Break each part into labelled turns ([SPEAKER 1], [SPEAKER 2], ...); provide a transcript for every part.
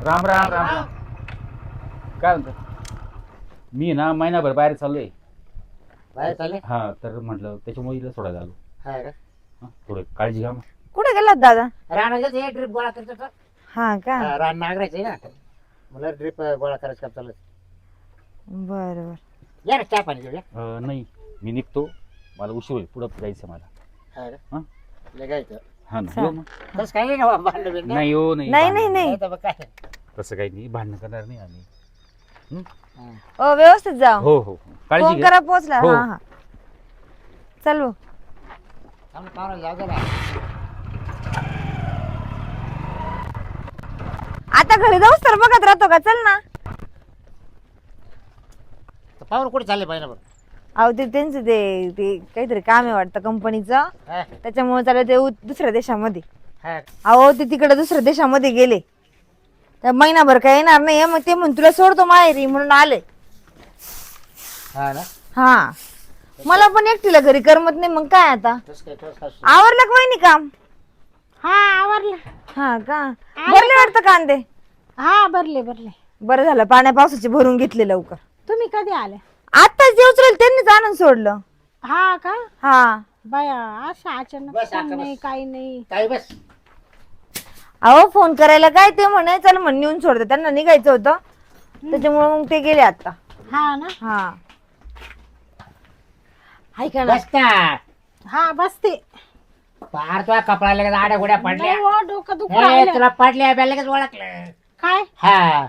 [SPEAKER 1] राम राम राम राम. काय म्हणतो? मी ना महिनाभर बाहेर चाललोय.
[SPEAKER 2] बाहेर चालले?
[SPEAKER 1] हा तर म्हटलं त्याच्यामुळे इला सोडायला आलो.
[SPEAKER 2] हा का?
[SPEAKER 1] हा, थोडं काळजी घ्या मग.
[SPEAKER 3] कुठे गेलात दादा?
[SPEAKER 2] रानाचं हे ड्रिप गोळा करतो का?
[SPEAKER 3] हा का?
[SPEAKER 2] रान नांगरायचं आहे ना. मला ड्रिप गोळा करायचं काम चालू आहे.
[SPEAKER 3] बर बर.
[SPEAKER 2] या ना चहा पाणी घेऊया.
[SPEAKER 1] नाही मी निघतो, मला उशीर होईल, पुढं जायचं मला.
[SPEAKER 2] हा का?
[SPEAKER 1] हा?
[SPEAKER 2] निघायचं.
[SPEAKER 1] हा ना
[SPEAKER 3] चालेल.
[SPEAKER 1] येऊ मग.
[SPEAKER 2] तसं काही नाही ना भांडण बिंडण.
[SPEAKER 1] नाही हो नाही
[SPEAKER 3] नाही
[SPEAKER 1] भांडण.
[SPEAKER 3] नाही
[SPEAKER 2] तर मग काय?
[SPEAKER 1] तसं काही नाही, भांडण करणार नाही आम्ही.
[SPEAKER 2] हा.
[SPEAKER 3] ओ व्यवस्थित जा.
[SPEAKER 1] हो हो काळजी
[SPEAKER 3] फोन
[SPEAKER 1] घ्या.
[SPEAKER 3] करा पोहोचला.
[SPEAKER 1] हो.
[SPEAKER 3] हा हा. चल भाऊ.
[SPEAKER 2] थांब ना, पाहुण्याला जाऊ दे ना.
[SPEAKER 3] आता घरी जाऊस तर बघत राहतो का? चल ना.
[SPEAKER 2] तर पाहुणे कुठे चालले पाहिजे बरं?
[SPEAKER 3] अहो ते त्यांचं ते काहीतरी काम आहे वाटतं कंपनीचं,
[SPEAKER 2] हा?
[SPEAKER 3] त्याच्यामुळे चालू ते दुसऱ्या देशामध्ये.
[SPEAKER 2] हा.
[SPEAKER 3] अहो ते तिकडे दुसऱ्या देशामध्ये गेले, त्या महिनाभर काय येणार नाही. मग ते म्हणून तुला सोडतो माहेरी म्हणून आले.
[SPEAKER 2] हा ना?
[SPEAKER 3] हा मला पण एकटीला घरी करमत नाही. मग काय आता?
[SPEAKER 2] तसं काय तसं काय?
[SPEAKER 3] आवरलं का वहिनी काम?
[SPEAKER 4] हा आवरलं.
[SPEAKER 3] हा का? भरले वाटतं कांदे?
[SPEAKER 4] हा भरले भरले.
[SPEAKER 3] बरं झालं, पाण्या पावसाचे भरून घेतले लवकर.
[SPEAKER 4] तुम्ही कधी आले?
[SPEAKER 3] आताच जे उचलेल त्यांनीच आणून सोडलं.
[SPEAKER 4] हा का?
[SPEAKER 3] हा
[SPEAKER 4] बाया अशा अचानक
[SPEAKER 2] बस
[SPEAKER 4] फोन
[SPEAKER 2] आता
[SPEAKER 4] नाही
[SPEAKER 2] बस.
[SPEAKER 4] काही नाही.
[SPEAKER 2] काही बस.
[SPEAKER 3] अहो फोन करायला काय, ते म्हणे चल म्हण नेऊन सोडते, त्यांना निघायचं होतं त्याच्यामुळे मग ते गेले आता.
[SPEAKER 4] हा ना?
[SPEAKER 3] हा ऐका ना.
[SPEAKER 2] बस ना.
[SPEAKER 4] हा बसते.
[SPEAKER 2] पार तुला कपडा लगेच आड्या गोड्या पडल्या.
[SPEAKER 4] नाही हो, डोकं दुखू
[SPEAKER 2] हे,
[SPEAKER 4] राहिलं.
[SPEAKER 2] तुला पडल्या बॅ लगेच ओळखलं.
[SPEAKER 4] काय
[SPEAKER 2] हा.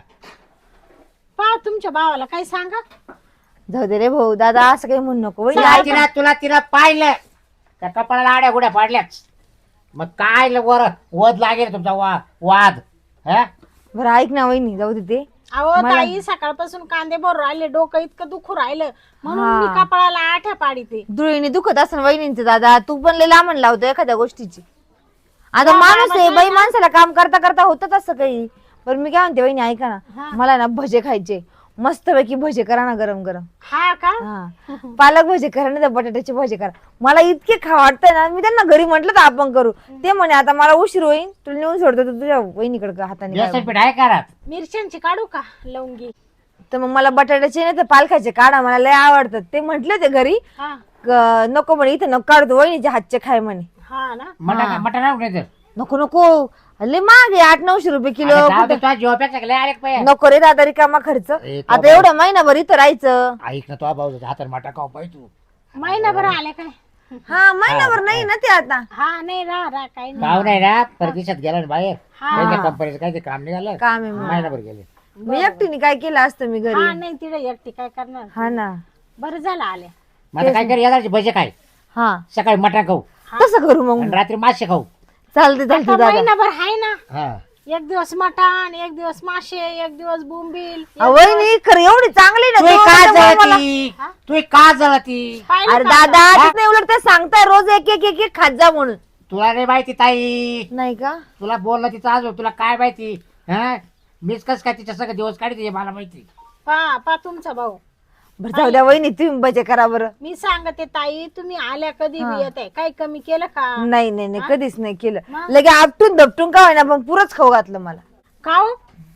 [SPEAKER 4] पा तुमच्या भावाला काही सांगा.
[SPEAKER 3] जाऊ दे रे भाऊ, दादा असं काही म्हणू नको. वहिनी,
[SPEAKER 2] तुला
[SPEAKER 3] ऐका.
[SPEAKER 2] तिला पाहिलं त्या कपाळाला आड्या गुड्या पाडल्याच. मग काय वर वध लागेल तुमचा वाद. हा?
[SPEAKER 3] बरं ऐक ना वहिनी, जाऊ दे ते.
[SPEAKER 4] अहो
[SPEAKER 3] मला-
[SPEAKER 4] ताई सकाळपासून कांदे भरून राहिले, डोकं इतकं दुखू राहिलं म्हणून
[SPEAKER 3] हा.
[SPEAKER 4] मी कपाळाला आठ्या पाडीते.
[SPEAKER 3] धुळीने दुखत असं वहिनींचं. दादा तू पण लय लांबण लावतो एखाद्या गोष्टीची. आता माणूस आहे बाई, माणसाला काम करता करता होतच असं काही. बरं मी काय म्हणते वहिनी, ऐका ना.
[SPEAKER 4] हा.
[SPEAKER 3] मला ना भजे खायचे, मस्तपैकी भजे करा ना गरम गरम.
[SPEAKER 4] हा का?
[SPEAKER 3] हा पालक भजे करा ना, बटाट्याचे भजे करा. मला इतके खा वाटतंय ना, मी त्यांना घरी म्हंटल तर आपण करू. ते म्हणे आता मला उशीर होईल, तुला नेऊन सोडतो, तर तुझ्या वहिनीकडे हाताने काय
[SPEAKER 2] बेसन पीठ आहे का रात?
[SPEAKER 4] मिरच्यांची काढू का लवंगी?
[SPEAKER 3] तर मग मला बटाट्याचे नाही तर पालकाचे काढा, मला लय आवडतात. ते म्हंटले ते घरी
[SPEAKER 4] हा
[SPEAKER 3] नको म्हणे, इथं नको काढतो, वहिनीचे हातचे खाय म्हणे.
[SPEAKER 4] हा ना?
[SPEAKER 2] मटण मटण नाही तर.
[SPEAKER 3] नको नको लय महाग आहे, 800-900 रुपये किलो. कुठं-
[SPEAKER 2] तुझ्या जीवापेक्षा लय आले पाहिजे.
[SPEAKER 3] नको रे दादा, रिकामा खर्च.
[SPEAKER 2] ए, तो
[SPEAKER 3] आता एवढा महिनाभर इथं राहायचं.
[SPEAKER 2] ऐक ना, तो भाऊ हातात माटा खाऊ पाहिजे तू.
[SPEAKER 4] महिनाभर आले काय?
[SPEAKER 3] हा महिनाभर नाही ना ते आता.
[SPEAKER 4] हा नाही राहा काही नाही.
[SPEAKER 2] भाऊ नाही ना परदेशात गेला ना बाहेर.
[SPEAKER 4] हा.
[SPEAKER 2] त्यांच्या कंपनीचं काही ते काम निघालं.
[SPEAKER 3] काम आहे मग.
[SPEAKER 2] महिनाभर गेले.
[SPEAKER 3] मी एकटीने काय केलं असतं मी
[SPEAKER 4] हा
[SPEAKER 3] घरी.
[SPEAKER 4] नाही तिथे एकटी काय करणार.
[SPEAKER 3] हा ना.
[SPEAKER 4] बरं झालं आले.
[SPEAKER 2] मग आता काय कर, येणार भजे खाय,
[SPEAKER 3] हा
[SPEAKER 2] सकाळी मटण खाऊ
[SPEAKER 3] तसं करू मग.
[SPEAKER 2] आणि रात्री मासे खाऊ.
[SPEAKER 3] चालते चालते
[SPEAKER 4] आता
[SPEAKER 3] दादा.
[SPEAKER 4] महिनाभर आहे ना.
[SPEAKER 2] हा.
[SPEAKER 4] एक दिवस मटण, एक दिवस मासे, एक दिवस बोंबील.
[SPEAKER 3] वहिनी खरं एवढी चांगली ना
[SPEAKER 2] तू
[SPEAKER 3] तू,
[SPEAKER 2] का
[SPEAKER 3] त्याच्यामुळे मला-
[SPEAKER 2] जळती? तू का जळती?
[SPEAKER 4] पाहिलं
[SPEAKER 3] अरे
[SPEAKER 4] का?
[SPEAKER 3] दादा तेच नाही, उलट ते सांगताय रोज एक एक एक एक खात जा म्हणून.
[SPEAKER 2] तुला नाही माहिती ताई,
[SPEAKER 3] नाही का?
[SPEAKER 2] तुला बोललं तिचं आज तुला काय माहिती. हा, मीच कस काय तिच्या सगळं दिवस काढते मला माहिती.
[SPEAKER 4] पा तुमचा भाऊ.
[SPEAKER 3] बरं जाऊ द्या वहिनी, तुम्ही बजे करा बरं.
[SPEAKER 4] मी सांगते ताई, तुम्ही आल्या कधी बी येत आहे, काही कमी केलं का?
[SPEAKER 3] नाही नाही नाही कधीच नाही केलं.
[SPEAKER 4] मग?
[SPEAKER 3] लगे आपटून दपटून का होईना पण पुरच खाऊ घातलं मला.
[SPEAKER 4] खाऊ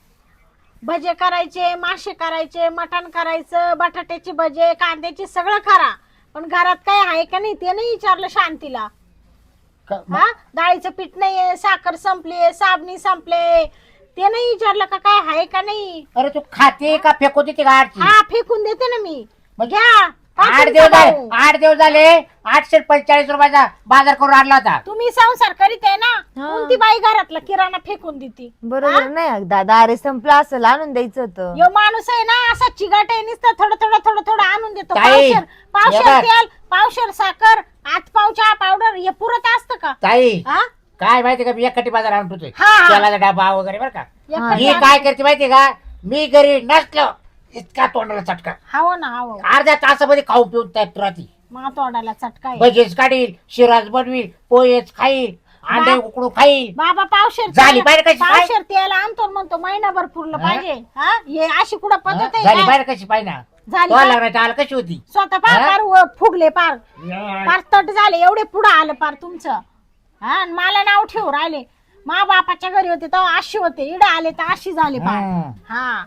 [SPEAKER 4] भजे करायचे, मासे करायचे, मटण करायचं, बटाट्याचे भजे, कांद्याचे सगळं करा. पण घरात काय आहे का नाही ते नाही विचारलं शांतीला. हा डाळीचं पीठ नाहीये, साखर संपली, साबणी संपले, ते नाही विचारलं का काय आहे का नाही.
[SPEAKER 2] अरे तू खाते का फेकू देते का आठची?
[SPEAKER 4] हा फेकून देते ना मी.
[SPEAKER 2] मग
[SPEAKER 4] घ्या. पा
[SPEAKER 2] 8
[SPEAKER 4] तुमचा
[SPEAKER 2] दिवस झाले,
[SPEAKER 4] भाऊ.
[SPEAKER 2] 8 दिवस झाले. 845 रुपयाचा बाजार करून आणला होता.
[SPEAKER 4] तुम्ही संसार करीत आहे ना,
[SPEAKER 3] हा.
[SPEAKER 4] कोणती बाई घरातला किराणा फेकून देते.
[SPEAKER 3] बरोबर नाही दादा, अरे संपला असं आणून द्यायचं होतं.
[SPEAKER 4] यो माणूस आहे ना असा चिगाट आहे, नुसतं थोडं थोडं थोडं थोडं आणून देतो.
[SPEAKER 2] ताई,
[SPEAKER 4] पावशेर
[SPEAKER 2] हे बघ.
[SPEAKER 4] तेल, पावशेर साखर, 8 पाव चहा पावडर, हे पुरत असतं का?
[SPEAKER 2] ताई
[SPEAKER 4] हा?
[SPEAKER 2] काय माहिती का, मी एकटी बाजार आणून ठेवतोय.
[SPEAKER 4] हा.
[SPEAKER 2] तेलाचा डबा वगैरे बरं का.
[SPEAKER 3] हा.
[SPEAKER 2] ही काय करते माहिती का, मी घरी नसलो इतका तोंडाला चटका,
[SPEAKER 4] हाव ना हाव.
[SPEAKER 2] अर्ध्या तासामध्ये खाऊ पिऊन त्यात राहती.
[SPEAKER 4] मग तोंडाला चटका आहे.
[SPEAKER 2] भजीच काढील, शिराज बनवील, पोहेच खाईल, अंडे उकडू खाईल.
[SPEAKER 4] बाबा पावशेर
[SPEAKER 2] झाली
[SPEAKER 4] तेल-
[SPEAKER 2] बाहेर कशी काय?
[SPEAKER 4] पावशेर तेल आणतो आणि म्हणतो महिनाभर पुरलं
[SPEAKER 2] हा?
[SPEAKER 4] पाहिजे. हा हे अशी कुठं पद्धत आहे
[SPEAKER 2] झाली
[SPEAKER 4] काय?
[SPEAKER 2] बाहेर कशी पाहिजे ना,
[SPEAKER 4] झाली
[SPEAKER 2] तो
[SPEAKER 4] का?
[SPEAKER 2] लग्नाची हाल कशी होती.
[SPEAKER 4] स्वतः पार
[SPEAKER 2] हा?
[SPEAKER 4] पार फुगले पार तट झाले, एवढे पुढं आलं पार तुमचं. हा आणि मला नाव ठेवू राहिले. मा बापाच्या घरी होते तेव्हा 800 होते, इडे आले तर 80 झाले पाय.
[SPEAKER 2] हं.
[SPEAKER 4] हा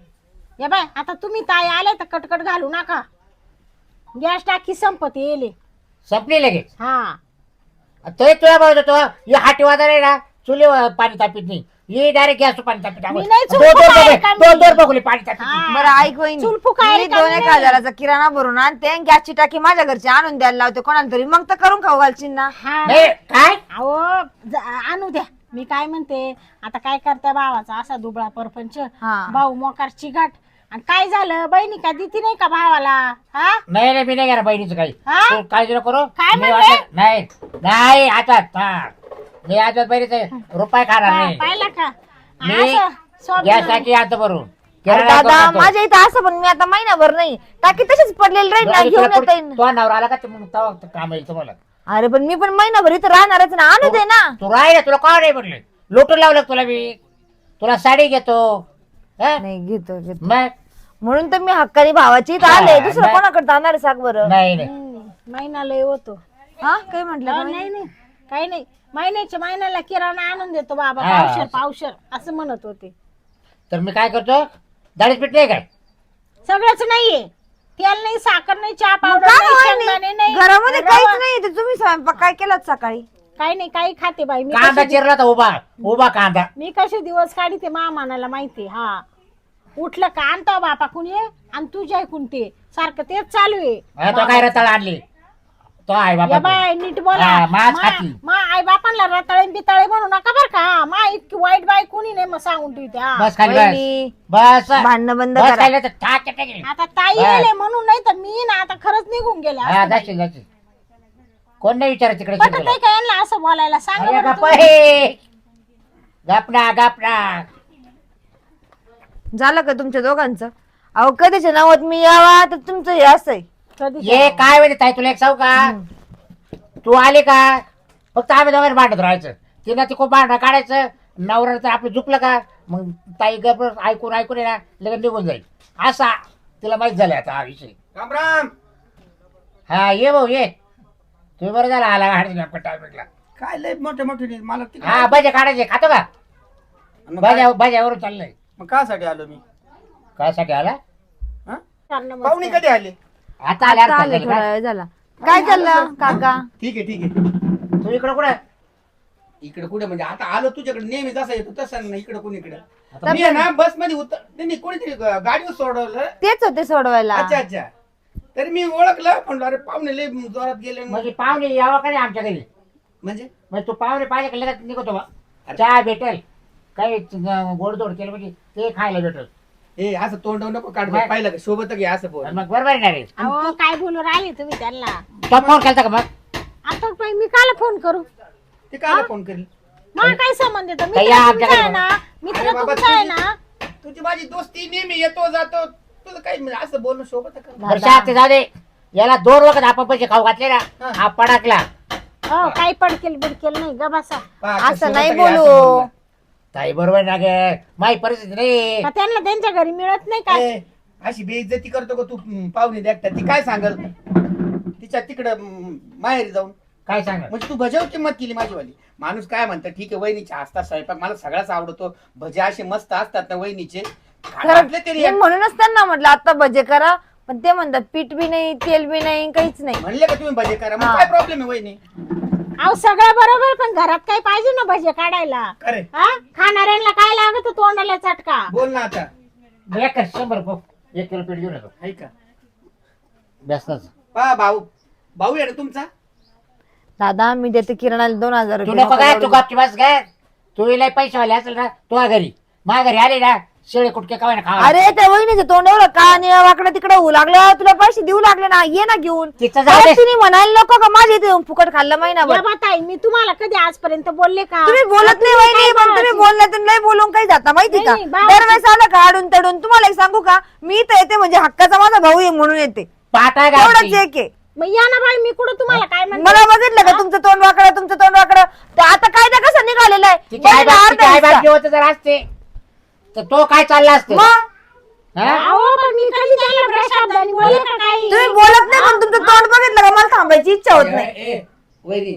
[SPEAKER 4] या बाय आता तुम्ही ताई आले तर कटकट घालू नका. गॅस टाकी संपत येले.
[SPEAKER 2] संपली लगेच.
[SPEAKER 4] हा
[SPEAKER 2] तो तुला बोलतो तो हे हाटी वाजार आहे ना चुली पाणी तापीत नाही हे डायरेक्ट गॅस पाणी तापीत
[SPEAKER 4] मी नाही चुलफुक आहे का मी?
[SPEAKER 2] दोन बघले पाणी तापीत
[SPEAKER 4] हा.
[SPEAKER 3] बरं ऐक वहिनी,
[SPEAKER 4] चुलफुक आहे
[SPEAKER 3] मी
[SPEAKER 4] का
[SPEAKER 3] 2-1
[SPEAKER 4] नाही?
[SPEAKER 3] हजाराचा किराणा भरून आणते आणि गॅसची टाकी माझ्या घरची आणून द्यायला लावते कोणाला तरी, मग तर करून खाऊ घालशील ना.
[SPEAKER 4] हा
[SPEAKER 2] नाही काय
[SPEAKER 4] अहो आणू द्या. मी काय म्हणते आता काय करताय भावाचा असा दुबळा परपंच.
[SPEAKER 3] हा.
[SPEAKER 4] भाऊ मोकारची गाठ आणि काय झालं बहिणी का देती नाही का भावाला. हा
[SPEAKER 2] नाही नाही मी नाही घेणार बहिणीचं काही
[SPEAKER 4] हा?
[SPEAKER 2] तू काळजी नको करू
[SPEAKER 4] काय
[SPEAKER 2] मी
[SPEAKER 4] म्हणले?
[SPEAKER 2] वाटलं- नाही नाही आता हा. मी आज बहिणीचं रुपये खाणार नाही
[SPEAKER 4] पाहिलं का
[SPEAKER 2] मी
[SPEAKER 4] असं स्वप्न.
[SPEAKER 2] गॅस टाकी आता भरून
[SPEAKER 3] अरे
[SPEAKER 2] किराणा
[SPEAKER 3] दादा
[SPEAKER 2] करून आणतो.
[SPEAKER 3] माझ्या इथं असं पण मी आता महिनाभर नाही, टाकी तशीच पडलेली राहील ना,
[SPEAKER 2] तुला
[SPEAKER 3] घेऊन येता
[SPEAKER 2] पुढे-
[SPEAKER 3] येईल.
[SPEAKER 2] तो नवरा आला का ते मग तेव्हा काम येईल तुम्हाला
[SPEAKER 3] अरे पण मी पण महिनाभर इथं राहणारच ना, आणू दे ना.
[SPEAKER 2] तू राहिला तुला का नाही म्हटलं लोटून लावलं का तुला मी तुला साडी घेतो हा?
[SPEAKER 3] नाही घेतो घेतो,
[SPEAKER 2] मग
[SPEAKER 3] म्हणून तर मी हक्काने भावाची इथं
[SPEAKER 2] हा,
[SPEAKER 3] आले. दुसरं
[SPEAKER 2] नाही.
[SPEAKER 3] कोणाकडे जाणार आहे सांग बरं.
[SPEAKER 2] नाही नाही
[SPEAKER 4] महिना लय होतो.
[SPEAKER 3] हा काय म्हटलं का
[SPEAKER 4] नाही नाही काही नाही. महिन्याला किराणा आणून देतो बाबा.
[SPEAKER 2] हा.
[SPEAKER 4] पावशर असं म्हणत होते.
[SPEAKER 2] तर मी काय करतो दाढीच पीठ नाही काय
[SPEAKER 4] सगळंच नाहीये. तेल नाही, साखर नाही, चहा
[SPEAKER 3] मग
[SPEAKER 4] पावडर
[SPEAKER 3] काय
[SPEAKER 4] नाही,
[SPEAKER 3] वहिनी?
[SPEAKER 4] शेंगदाणे नाही,
[SPEAKER 3] घरामध्ये
[SPEAKER 4] रवा-
[SPEAKER 3] काहीच नाही, तर तुम्ही स्वयंपाक काय केलात सकाळी?
[SPEAKER 4] काही नाही, काही खाते बाई मी.
[SPEAKER 2] कांदा
[SPEAKER 4] कशी
[SPEAKER 2] चिरला तर उभा उभा कांदा
[SPEAKER 4] मी कसे दिवस काढते मामानाला माहिती. हा उठलं का आणतो बापा कुणी आणि तुझ्या ऐकून ते सारखं तेच चालू
[SPEAKER 2] हा, तो काय रताळ आणली तो आहे
[SPEAKER 4] या
[SPEAKER 2] बाबा
[SPEAKER 4] बाय नीट बोला.
[SPEAKER 2] हा, मांस खाती.
[SPEAKER 4] मा आई बापांना रताळे बिताळे म्हणू नका बर का. मा इतकी वाईट बाई कुणी नाही मग सांगून ठेवते. हा.
[SPEAKER 2] बस खाली
[SPEAKER 3] वहिनी,
[SPEAKER 2] बस बस
[SPEAKER 3] भांडणं बंद
[SPEAKER 2] बस
[SPEAKER 3] करा.
[SPEAKER 2] खाली तर ठाक टाकेल.
[SPEAKER 4] आता ताई
[SPEAKER 2] बस.
[SPEAKER 4] गेले म्हणून नाही तर मी ना आता खरंच निघून गेले
[SPEAKER 2] हा
[SPEAKER 4] असते बाई.
[SPEAKER 2] जाशील जाशील कोण नाही विचारत तिकडे
[SPEAKER 4] पटत नाही का यांना असं बोलायला सांगा
[SPEAKER 2] अरे
[SPEAKER 4] बरं
[SPEAKER 2] गप्प
[SPEAKER 4] तुम्ही.
[SPEAKER 2] हे. गपना गपना
[SPEAKER 3] झालं का तुमच्या दोघांचं? अहो कधीच्या नावात मी यावा तर तुमचं हे असं आहे.
[SPEAKER 4] कधी
[SPEAKER 2] ये काय वेळ ताई तुला एक सांगू का तू आले का फक्त आम्ही दोघांनी भांडत राहायचं तिला ती खूप भांडण काढायचं नवरा तर आपलं झुकलं का मग ताई गप ऐकून ऐकून आहे ना लगेच निघून जाईल असा तिला माहित झालं आता हा विषय.
[SPEAKER 1] राम राम.
[SPEAKER 2] हा ये भाऊ ये तुम्ही बरं झाला आला हाडचा टायमिंगला.
[SPEAKER 1] काय लय मोठे मोठे मला ते
[SPEAKER 2] हा भजे काढायचे खातो का
[SPEAKER 1] मग काय-
[SPEAKER 2] भज्यावरून चाललंय
[SPEAKER 1] मग कासाठी आलो मी?
[SPEAKER 2] कायसाठी आला
[SPEAKER 1] हा?
[SPEAKER 4] करणं
[SPEAKER 1] पाहुणे
[SPEAKER 4] मस्त.
[SPEAKER 1] कधी आले?
[SPEAKER 2] आता आले
[SPEAKER 3] आता
[SPEAKER 2] आता
[SPEAKER 3] आले,
[SPEAKER 2] झालं
[SPEAKER 3] थोडा
[SPEAKER 2] का?
[SPEAKER 3] वेळ झाला. काय चाललं काका?
[SPEAKER 1] ठीक आहे.
[SPEAKER 2] तू इकडं कुठं
[SPEAKER 1] इकडे कुठे म्हणजे आता आलो तुझ्याकडे नेहमी जसा येतो तसं नाही इकडे कोणी इकडे.
[SPEAKER 2] आता
[SPEAKER 1] मी आहे ना बस मध्ये उतर नाही कोणीतरी गाडीवर सोडवलं.
[SPEAKER 3] तेच होते सोडवायला.
[SPEAKER 1] अच्छा अच्छा. तरी मी ओळखलं म्हणलं अरे पाहुणे लय जोरात गेले ना.
[SPEAKER 2] म्हणजे पाहुणे यावं का नाही आमच्या घरी
[SPEAKER 1] म्हणजे
[SPEAKER 2] मग तू पाहुणे पाहिले का लगेच निघतो बा चहा भेटेल काही गोडधोड केलं म्हणजे ते खायला भेटेल
[SPEAKER 1] हे असं तोंड नको काढ
[SPEAKER 2] नाही.
[SPEAKER 1] पाहिलं का सोबत घे असं बोल.
[SPEAKER 2] आणि मग बरोबर आहे ना रे
[SPEAKER 4] अहो काय बोलू राहिले तुम्ही त्यांना.
[SPEAKER 2] तो फोन केलता का मग
[SPEAKER 4] आता बाई मी काला फोन करू.
[SPEAKER 1] ते कायला फोन करेल?
[SPEAKER 4] मला काय संबंध येतो.
[SPEAKER 2] काही
[SPEAKER 4] मित्र
[SPEAKER 2] आमच्याकडे
[SPEAKER 4] तुमचा आहे ना, मित्र
[SPEAKER 1] अरे बाबा,
[SPEAKER 4] तुमचा आहे ना.
[SPEAKER 1] तुझी माझी दोस्ती नेहमी येतो जातो तुझं काही म्हणजे असं बोलणं सोबत कर.
[SPEAKER 2] वर्षात ते जाऊ दे याला 2 वखत आपण पैसे खाऊ घातले ना
[SPEAKER 1] हा.
[SPEAKER 2] हा पडाकला
[SPEAKER 4] हो काही पडकेल बिडकेल नाही ग बसा.
[SPEAKER 1] पहा,
[SPEAKER 3] असं
[SPEAKER 1] सोबत
[SPEAKER 3] नाही
[SPEAKER 1] घे, असं
[SPEAKER 3] बोलू.
[SPEAKER 1] बोलणं.
[SPEAKER 2] ताई बरोबर ना गे माझी परिस्थिती नाही
[SPEAKER 4] का त्यांना त्यांच्या घरी मिळत नाही काय.
[SPEAKER 1] ए, अशी बेइज्जती करतो का तू पाहुणे देखता ती काय सांगल तिच्या तिकडं माहेरी जाऊन
[SPEAKER 2] काय सांग
[SPEAKER 1] म्हणजे तू भज्यावर किंमत केली माझीवाली. माणूस काय म्हणतं ठीक आहे वहिनीचे असतात स्वयंपाक मला सगळ्याच आवडतो भजे असे मस्त असतात ना वहिनीचे घातले तरी
[SPEAKER 3] मी म्हणूनच त्यांना म्हटलं आता भजे करा, पण ते म्हणतात पीठ बी नाही, तेल बी नाही, काहीच नाही.
[SPEAKER 1] म्हणले का तुम्ही भजे करा मग
[SPEAKER 3] हा.
[SPEAKER 1] काय प्रॉब्लेम आहे वहिनी?
[SPEAKER 4] अहो सगळं बरोबर पण घरात काही पाहिजे ना भजे काढायला.
[SPEAKER 1] अरे
[SPEAKER 4] हा खाणाऱ्यांना काय लागत तोंडाला चटका.
[SPEAKER 1] बोल ना आता.
[SPEAKER 2] 1 किलो पीठ घेऊन येतो
[SPEAKER 1] आहे का
[SPEAKER 2] बेसनाचं
[SPEAKER 1] पहा भाऊ भाऊ आहे ना तुमचा.
[SPEAKER 3] दादा मी देते किराणाला 2000
[SPEAKER 2] तू
[SPEAKER 3] रुपये.
[SPEAKER 2] नको काय तू गपची बस काय तू इला पैसेवाले असेल ना तुझ्या घरी माझ्या घरी आले ना शेळे कुटके खावाय ना खावा
[SPEAKER 3] अरे त्या वहिनीचं तोंड एवढं का वाकडं तिकडे होऊ लागलं, तुला पैसे देऊ लागले ना, ये ना घेऊन.
[SPEAKER 2] तिचं जाऊ दे.
[SPEAKER 3] परत तिने म्हणायला नको का माझ्या इथे येऊन फुकट खाल्लं महिनाभर.
[SPEAKER 4] या बाताई मी तुम्हाला कधी आजपर्यंत बोलले का.
[SPEAKER 3] तुम्ही बोलत नाही वहिनी, पण तुम्ही बोलण्यातून लय बोलून काही जाता माहिती का.
[SPEAKER 4] नाही, बाळाची-
[SPEAKER 3] दरवेळेस आलं का आडून तडून. तुम्हाला एक सांगू का, मी तर येते म्हणजे हक्काचा माझा भाऊ आहे म्हणून येते,
[SPEAKER 2] पाटा
[SPEAKER 3] एवढंच
[SPEAKER 2] गावची.
[SPEAKER 3] एक आहे.
[SPEAKER 4] मग या ना बाई मी कुठं तुम्हाला काय म्हणते.
[SPEAKER 3] मला बघितलं का तुमचं तोंड वाकडं, तुमचं तोंड वाकडं. तर आता कायदा कसा निघालेला आहे.
[SPEAKER 2] तिची आई
[SPEAKER 3] बघा,
[SPEAKER 2] बाप-
[SPEAKER 3] अर्धा
[SPEAKER 2] तिची आई बाप
[SPEAKER 3] हिस्सा.
[SPEAKER 2] जेवत जर असते तर तो काय चालला असते
[SPEAKER 3] मग
[SPEAKER 2] हा?
[SPEAKER 4] अहो पण मी कधी त्यांना प्रशाब्दानी बोलले का काही.
[SPEAKER 3] तुम्ही बोलत नाही, पण तुमचं तोंड बघितलं का मला थांबायची इच्छा होत नाही.
[SPEAKER 1] ए, वहिनी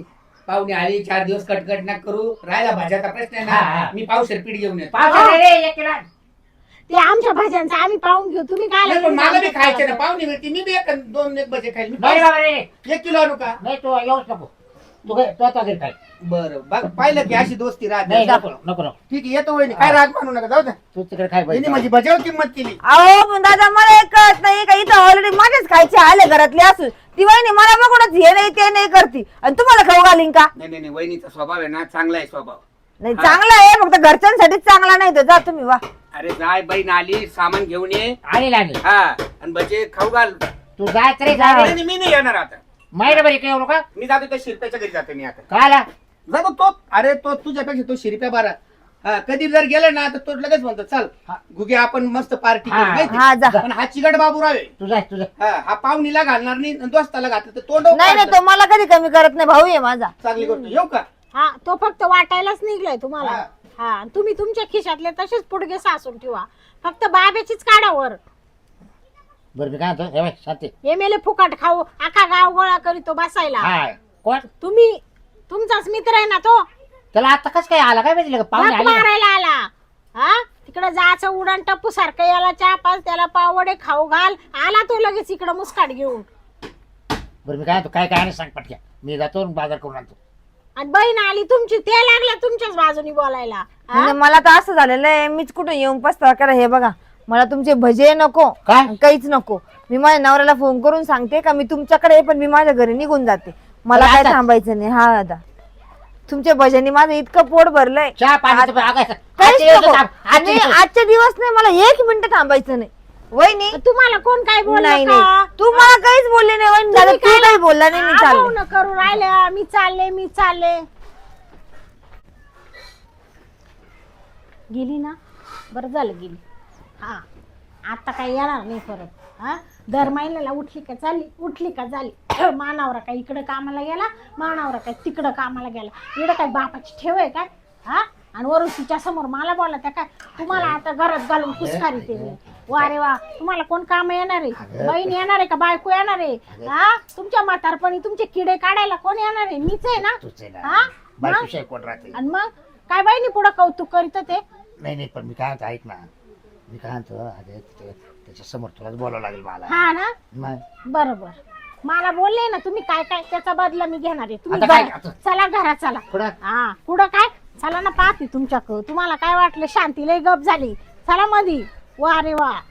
[SPEAKER 1] पाहुणे आली 4 दिवस कटकट ना करू राहिला भाज्याचा प्रश्न आहे
[SPEAKER 2] हा, हा.
[SPEAKER 1] ना मी पावशेर पीठ घेऊन येतो
[SPEAKER 2] पावसाळ्यात रे, 1 किलो आण.
[SPEAKER 4] ते आमच्या भाज्यांचं आम्ही पाहून घेऊ तुम्ही काय
[SPEAKER 1] नाही, पण मला बी खायचे ना पाहुणे मिळते मी बी 1-2 भजे खाईल मी
[SPEAKER 2] नाही बाबा रे
[SPEAKER 1] 1 किलो आणू का
[SPEAKER 2] नाही तू येऊच नको तू आता घरी काय
[SPEAKER 1] बरं बघ पाहिलं की अशी दोस्ती
[SPEAKER 2] नाही
[SPEAKER 1] राहते
[SPEAKER 2] नको नको नको
[SPEAKER 1] ठीक आहे येतो वहिनी काय राग मानू नका जाऊ द्या
[SPEAKER 2] तू तिकडे काय
[SPEAKER 1] त्यांनी
[SPEAKER 2] पाहिजे
[SPEAKER 1] माझी भज्यावर किंमत केली
[SPEAKER 3] अहो पण दादा मला एक कळत नाही का इथं ऑलरेडी माझेच खायचे आले घरातले असून ती वहिनी मला बघूनच हे नाही ते नाही करती आणि तुम्हाला खाऊ घालीन का
[SPEAKER 1] नाही नाही नाही, वहिनीचा स्वभाव आहे ना चांगला आहे स्वभाव
[SPEAKER 3] नाही चांगला आहे फक्त घरच्यांसाठीच चांगला नाही तो जा तुम्ही वा
[SPEAKER 1] अरे जाय बहीण आली सामान घेऊन ये
[SPEAKER 2] आणि लाणी
[SPEAKER 1] हा आणि भजे खाऊ घाल
[SPEAKER 2] तू जाय तरी
[SPEAKER 3] जा.
[SPEAKER 2] जा
[SPEAKER 1] नाही, मी नाही येणार आता
[SPEAKER 2] महिनाभर इकडे येऊ नका
[SPEAKER 1] मी जातो त्या शिरप्याच्या घरी जातो मी आता
[SPEAKER 2] काय आला
[SPEAKER 1] जातो तो अरे तो तुझ्यापेक्षा तो शिरप्या बारा हा कधी जर गेला ना तर तो लगेच म्हणतो चल गुगे आपण मस्त पार्टी
[SPEAKER 2] हा,
[SPEAKER 3] हा जा
[SPEAKER 1] पण हा चिकट बाबू रावे
[SPEAKER 2] तुझा
[SPEAKER 1] हा पाहुणीला घालणार नाही आणि दोस्ताला घातलं तर तोंड
[SPEAKER 3] नाही नाही तो मला कधी कमी करत नाही भाऊ आहे माझा
[SPEAKER 1] चांगली गोष्ट येऊ का
[SPEAKER 4] हा तो फक्त वाटायलाच निघलाय तुम्हाला
[SPEAKER 1] हा.
[SPEAKER 4] हा तुम्ही तुमच्या खिशातले तसेच पुडगे सासून ठेवा फक्त बाब्याचीच काढा वर
[SPEAKER 2] बरं मी काय म्हणतो हे बाय शांती
[SPEAKER 4] हे मेले फुकट खाऊ आखा गाव गोळा करीतो बसायला
[SPEAKER 2] हा कोण
[SPEAKER 4] तुम्ही तुमचाच मित्र आहे ना तो
[SPEAKER 2] त्याला आता कसं काय आला काय माहिती का पाहुणे
[SPEAKER 4] झक
[SPEAKER 2] आले ना.
[SPEAKER 4] मारायला आला हा तिकडे जायचं उडान टप्पू सारखं याला चहा पाच त्याला पावडे खाऊ घाल आला तो लगेच इकडे मुस्काट घेऊन
[SPEAKER 2] बरं मी काय म्हणतो काय काय नाही सांग पटक्या मी जातो आणि बाजार करून आणतो
[SPEAKER 4] आणि बहीण आली तुमची ते लागल्या तुमच्याच बाजूनी बोलायला हा?
[SPEAKER 3] म्हणजे मला तर असं झालेलं आहे मीच कुठे येऊन पस्तावा करा हे बघा मला तुमचे भजे नको
[SPEAKER 2] काय?
[SPEAKER 3] आणि काहीच नको मी माझ्या नवऱ्याला फोन करून सांगते का मी तुमच्याकडे आहे, पण मी माझ्या घरी निघून जाते मला
[SPEAKER 2] अरे
[SPEAKER 3] काय
[SPEAKER 2] आता?
[SPEAKER 3] थांबायचं नाही हा दादा तुमच्या भजनी माझं इतकं पोट भरलंय
[SPEAKER 2] चहा पाणी आगायचं
[SPEAKER 3] काहीच नको. आणि आजचे दिवस नाही मला 1 मिनिट थांबायचं नाही वहिनी
[SPEAKER 4] तुम्हाला कोण काय बोललं
[SPEAKER 3] नाही
[SPEAKER 4] का?
[SPEAKER 3] नाही तू मला काहीच बोलले नाही वहिनी दादा तू काही बोलला नाही मी
[SPEAKER 4] आगाऊ
[SPEAKER 3] चालले
[SPEAKER 4] न करू राहिल्या मी चालले गेली ना बरं झालं गेली हा आता काय येणार नाही परत हा दर महिन्याला उठली का झाली मानावरा काय इकडं कामाला गेला मानावरा काय तिकडं कामाला गेला इकडं काय बापाची ठेव आहे काय हा आणि वरून तिच्या समोर मला बोला त्या काय तुम्हाला आता घरात घालून कुसकारी ते मी वा रे वा तुम्हाला कोण काम येणार आहे बहीण येणार आहे का बायको येणार आहे हा तुमच्या म्हातारपणी तुमचे किडे काढायला कोण येणार आहे मीच आहे ना हा
[SPEAKER 2] बायकोशी कोण राहते
[SPEAKER 4] आणि मग काय बहिणी पुढं कौतुक करीत ते
[SPEAKER 2] नाही पण मी काय म्हणतो ऐक ना मी काय म्हणतो अरे त्याच्या समोर तुलाच बोलावं लागेल मला
[SPEAKER 4] हा ना
[SPEAKER 2] नाही.
[SPEAKER 4] बरोबर मला बोलले ना तुम्ही काय काय त्याचा बदला मी घेणार आहे तुम्ही
[SPEAKER 2] आता काय?
[SPEAKER 4] घरा- चला घरात चला
[SPEAKER 2] कुठं?
[SPEAKER 4] हा पुढं काय चला ना पाहते तुमच्याकडं तुम्हाला काय वाटलं शांती लय गप झाली चला मधी वा रे वा